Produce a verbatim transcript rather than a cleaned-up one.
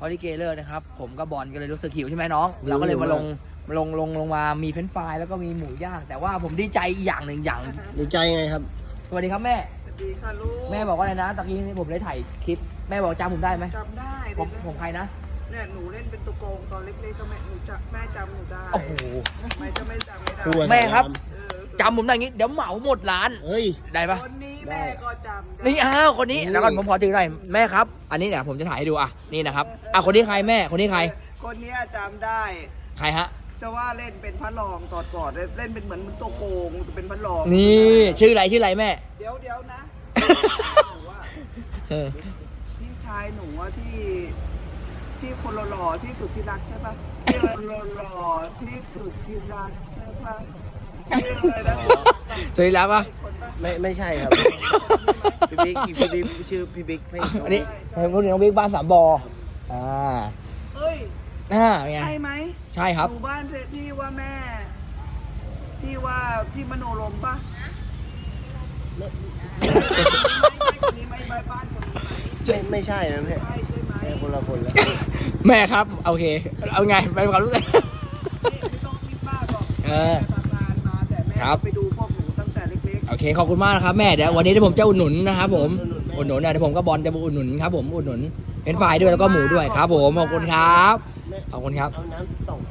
อลิเกเลอร์นะครับผมกับบอลก็เลยรู้สึกหิวใช่ไหมน้องเราก็เลยมาลงลงลงลงมามีเฟรนช์ฟรายแล้วก็มีหมูย่างแต่ว่าผมดีใจอีกอย่างหนึ่งอย่างดีใจไงครับสวัสดีครับแม่สวัสดีค่ะลูกแม่บอกว่าอะไรนะตะกี้นี่ผมได้ถ่ายคลิปแม่บอกจำผมได้ไหมจำได้ผมผมใครนะเนี่ยหนูเล่นเป็นตัวโกงตอนเล็กๆก็แม่หนูจะแม่จำหนูได้โอ้โหไม่จะไม่จำไม่ได้ตัวแม่ครับเออจำผมได้อย่างงี้เดี๋ยวเหมาหมดร้านเฮ้ยได้ปะคนนี้แม่ก็จำได้นี่อ้าวคนนี้อืมแล้วก่อนผมขอถือหน่อยแม่ครับ อันนี้เดี๋ยวผมจะถ่ายให้ดูอ่ะนี่นะครับอ่ะคนนี้ใครแม่คนนี้ใครคนเนี้ยจำได้ใครฮะจะว่าเล่นเป็นพระรองตอดก่อนเล่นเป็นเหมือนตัวโกงจะเป็นพระรองนี่ชื่ออะไรชื่ออะไรแม่เดี๋ยวเดี๋ยวนะหนูว่าเออพี่ชายหนูว่าที่ที่คนหล่อๆที่สุดที่รักใช่ปะที่คนหล่อๆที่สุดที่รักใช่ปะชื่ออะไรนะสวัสดีแล้วปะคนปะไม่ไม่ใช่ครับ พี่บิ๊กพี่บิ๊กชื่อพี่บิ๊กให้อันนี้เป็นคนน้องบิ๊กบ้านสามบออ่าเอ้ยอ่าไงใช่ไหมใช่ครับหมู่บ้านที่ว่าแม่ ที่ว่าที่มโนรมปะคนนี้ไหมบ้านบ้านคนนี้ไหมไม่ไม่ใช่นะแม่ใช่ใช่ไหมแม่คนละคนแล้วแม่ครับโอเคเอาไงเป็นความรู้สึกนี่ไม่ต้องมีป้าบอกเออแม่ทำงานมาแต่แม่ครับไปดูพวกหนูตั้งแต่เล็กโอเคขอบคุณมากนะครับแม่เดี๋ยววันนี้เดี๋ยวผมจะอุดหนุนนะครับผมอุดหนุนนะเดี๋ยวผมก็บอลจะมาอุดหนุนครับผมอุดหนุนเป็นฝ่ายด้วยแล้วก็หมูด้วยครับผมขอบคุณครับแม่ขอบคุณครับเอาน้ำสอง